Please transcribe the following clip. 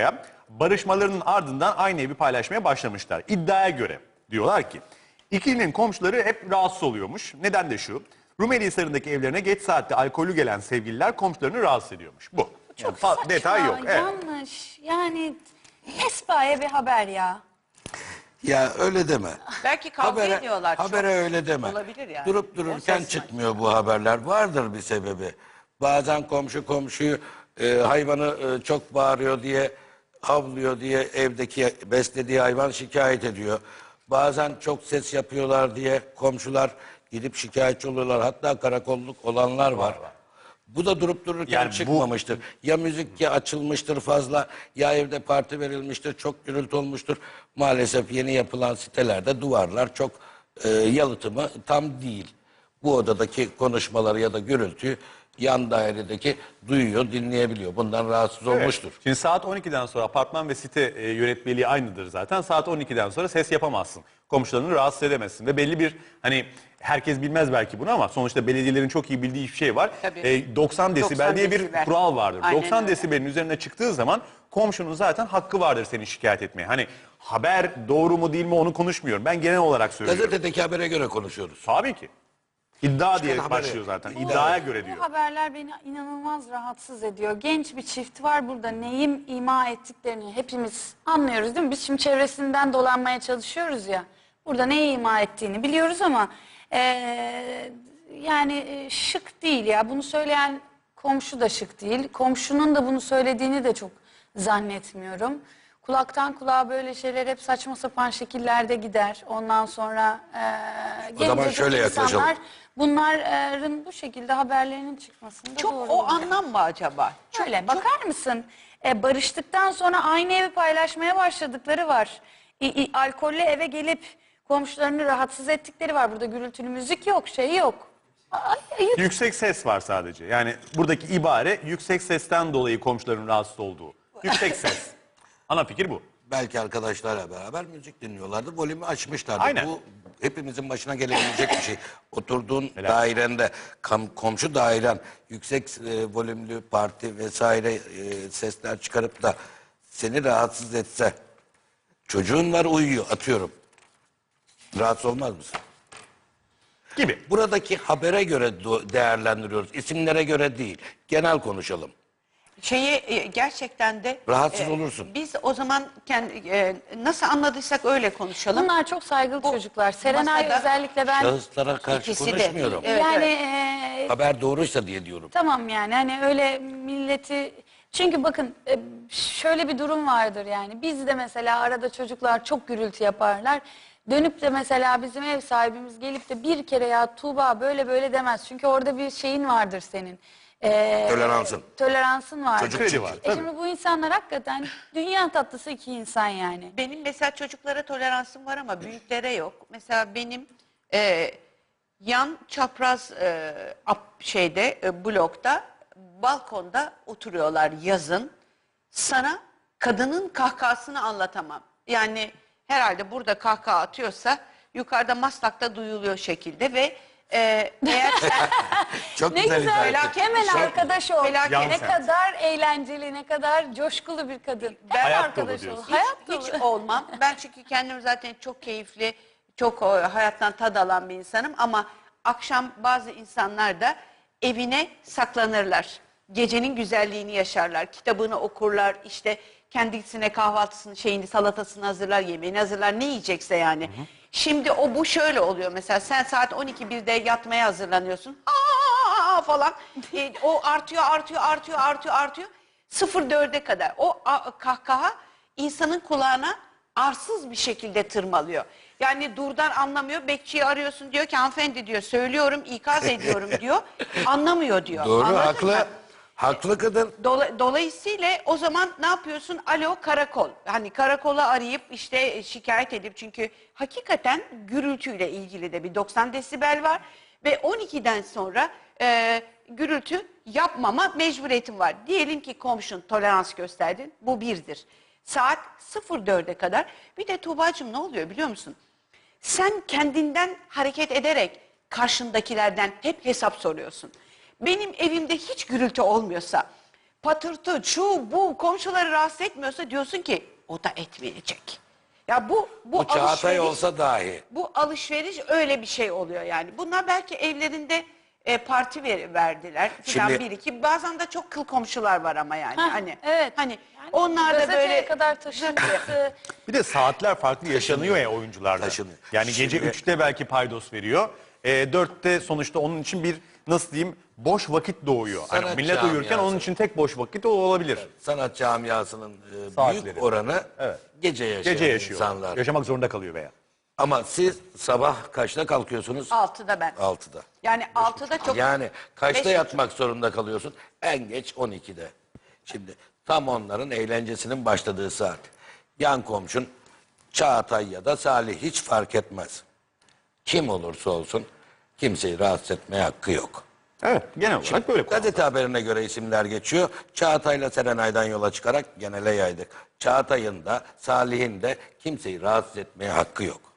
dakikaya barışmalarının ardından aynı evi paylaşmaya başlamışlar. İddiaya göre diyorlar ki ikilinin komşuları hep rahatsız oluyormuş. Neden de şu: Rumelihisar'ındaki evlerine geç saatte alkollü gelen sevgililer komşularını rahatsız ediyormuş. Bu. Çok Yani saçma, detay yok. Evet. yanlış. Yani pespaye bir haber ya. Ya öyle deme. Belki kavga ediyorlar çok. Habere öyle deme. Olabilir yani. Durup O dururken ses çıkmıyor bu haberler. Vardır bir sebebi. Bazen komşu komşuyu hayvanı çok bağırıyor diye, havlıyor diye evdeki beslediği hayvan şikayet ediyor. Bazen çok ses yapıyorlar diye komşular gidip şikayetçi oluyorlar. Hatta karakolluk olanlar var. Bu da durup dururken Yani çıkmamıştır. Ya müzik ya açılmıştır fazla, ya evde parti verilmiştir, çok gürültü olmuştur. Maalesef yeni yapılan sitelerde duvarlar çok yalıtımı tam değil. Bu odadaki konuşmaları ya da gürültüyü yan dairedeki duyuyor, dinleyebiliyor. Bundan rahatsız olmuştur. Şimdi saat 12'den sonra apartman ve site yönetmeliği aynıdır zaten. Saat 12'den sonra ses yapamazsın. Komşularını rahatsız edemezsin ve belli bir, hani herkes bilmez belki bunu ama sonuçta belediyelerin çok iyi bildiği bir şey var. 90 desibel diye bir desibel. kural vardır. Aynen 90 öyle. desibelin üzerine çıktığı zaman komşunun zaten hakkı vardır seni şikayet etmeye. Hani haber doğru mu değil mi onu konuşmuyorum. Ben genel olarak söylüyorum. Gazetedeki habere göre konuşuyoruz. Tabii ki. İddia diye haberi. başlıyor zaten. İddiaya göre diyor. Bu haberler beni inanılmaz rahatsız ediyor. Genç bir çift var burada, neyim ima ettiklerini hepimiz anlıyoruz değil mi? Biz şimdi çevresinden dolanmaya çalışıyoruz ya. Burada neyi ima ettiğini biliyoruz ama yani şık değil ya. Bunu söyleyen komşu da şık değil. Komşunun da bunu söylediğini de çok zannetmiyorum. Kulaktan kulağa böyle şeyler hep saçma sapan şekillerde gider. Ondan sonra O zaman gencecik şöyle yaklaşalım. insanlar bunların bu şekilde haberlerinin çıkmasında Çok doğru. o anlam mı acaba? Şöyle bakar mısın? Barıştıktan sonra aynı evi paylaşmaya başladıkları var. Alkollü eve gelip komşularını rahatsız ettikleri var. Burada gürültülü müzik yok, şey yok. Yüksek ses var sadece. Yani buradaki ibare yüksek sesten dolayı komşuların rahatsız olduğu. Yüksek ses. Ana fikir bu. Belki arkadaşlarla beraber müzik dinliyorlardı. Volümü açmışlardı. Aynen. Bu hepimizin başına gelebilecek bir şey. Oturduğun dairende, komşu dairen yüksek volümlü parti vesaire sesler çıkarıp da seni rahatsız etse, çocuğun var uyuyor atıyorum. Rahatsız olmaz mısın? Gibi. Buradaki habere göre değerlendiriyoruz. İsimlere göre değil. Genel konuşalım. Gerçekten de Rahatsız olursun. Biz o zaman nasıl anladıysak öyle konuşalım. Bunlar çok saygılı çocuklar. Serenay masada özellikle ben Şahıslara karşı İkisi de. konuşmuyorum. Evet, yani Haber doğruysa diye diyorum. tamam yani hani öyle milleti, çünkü bakın şöyle bir durum vardır yani biz de mesela arada çocuklar çok gürültü yaparlar. Dönüp de mesela bizim ev sahibimiz gelip de bir kere ya Tuğba böyle böyle demez. Çünkü orada bir şeyin vardır senin. Toleransın var. Çocuk Kredi var. Şimdi bu insanlar hakikaten dünya tatlısı iki insan yani. Benim mesela çocuklara toleransım var ama büyüklere yok. Mesela benim yan çapraz blokta balkonda oturuyorlar yazın. Sana kadının kahkahasını anlatamam. Yani herhalde burada kahkaha atıyorsa yukarıda Maslak'ta duyuluyor şekilde ve eğer sen Çok Ne güzel güzel. ifade ettin. Hemen arkadaş ol. Felaket. Ne kadar eğlenceli, ne kadar coşkulu bir kadın. Hem Hayat arkadaş dolu ol. diyorsun. Hayat hiç dolu. olmam. Ben çünkü kendim zaten çok keyifli, çok hayattan tad alan bir insanım ama akşam bazı insanlar da evine saklanırlar. Gecenin güzelliğini yaşarlar, kitabını okurlar, işte kendisine kahvaltısını, salatasını hazırlar, yemeğini hazırlar, ne yiyecekse yani. Şimdi bu şöyle oluyor mesela sen saat 12.1'de yatmaya hazırlanıyorsun. Aa falan. O artıyor. 04'e kadar. O kahkaha insanın kulağına arsız bir şekilde tırmalıyor. Yani durdan anlamıyor. Bekçiyi arıyorsun diyor ki hanımefendi diyor söylüyorum ikaz ediyorum diyor. Anlamıyor diyor. Doğru, Anladın haklı. mı? Haklı kadın. Dolayısıyla o zaman ne yapıyorsun? Alo karakol. Hani karakola arayıp işte şikayet edip çünkü hakikaten gürültüyle ilgili de bir 90 desibel var ve 12'den sonra gürültü yapmama mecburiyetin var. Diyelim ki komşun tolerans gösterdin. Bu birdir. Saat 04'e kadar. Bir de Tuğbacığım ne oluyor biliyor musun? Sen kendinden hareket ederek karşındakilerden hep hesap soruyorsun. Benim evimde hiç gürültü olmuyorsa patırtı, şu bu komşuları rahatsız etmiyorsa diyorsun ki o da etmeyecek. Ya bu Bu Çağatay alışveriş, olsa dahi. bu alışveriş öyle bir şey oluyor yani. Bunlar belki evlerinde parti verdiler falan Şimdi- bir iki. Bazen de çok kıl komşular var ama yani. Hah, hani evet. hani Yani onlar da gazeteye böyle kadar taşınması. Bir de saatler farklı yaşanıyor ya oyuncularda. Taşınıyor. Yani gece Şimdi- 3'te belki paydos veriyor. 4'te sonuçta onun için bir nasıl diyeyim boş vakit doğuyor. Hani Sanat millet uyurken camiası. onun için tek boş vakit o olabilir. Sanat camiasının Saatleri. büyük oranı Evet. gece yaşayan Gece yaşıyor. insanlar. Yaşamak zorunda kalıyor veya. Ama siz sabah kaçta kalkıyorsunuz? 6'da ben. 6'da. Yani 6'da çok. Yani kaçta 5.30. yatmak zorunda kalıyorsun? En geç 12'de. Şimdi tam onların eğlencesinin başladığı saat. Yan komşun Çağatay ya da Salih hiç fark etmez. Kim olursa olsun kimseyi rahatsız etmeye hakkı yok. Evet genel olarak böyle. Gazete haberine göre isimler geçiyor. Çağatay'la Serenay'dan yola çıkarak genele yaydık. Çağatay'ın da Salih'in de kimseyi rahatsız etmeye hakkı yok.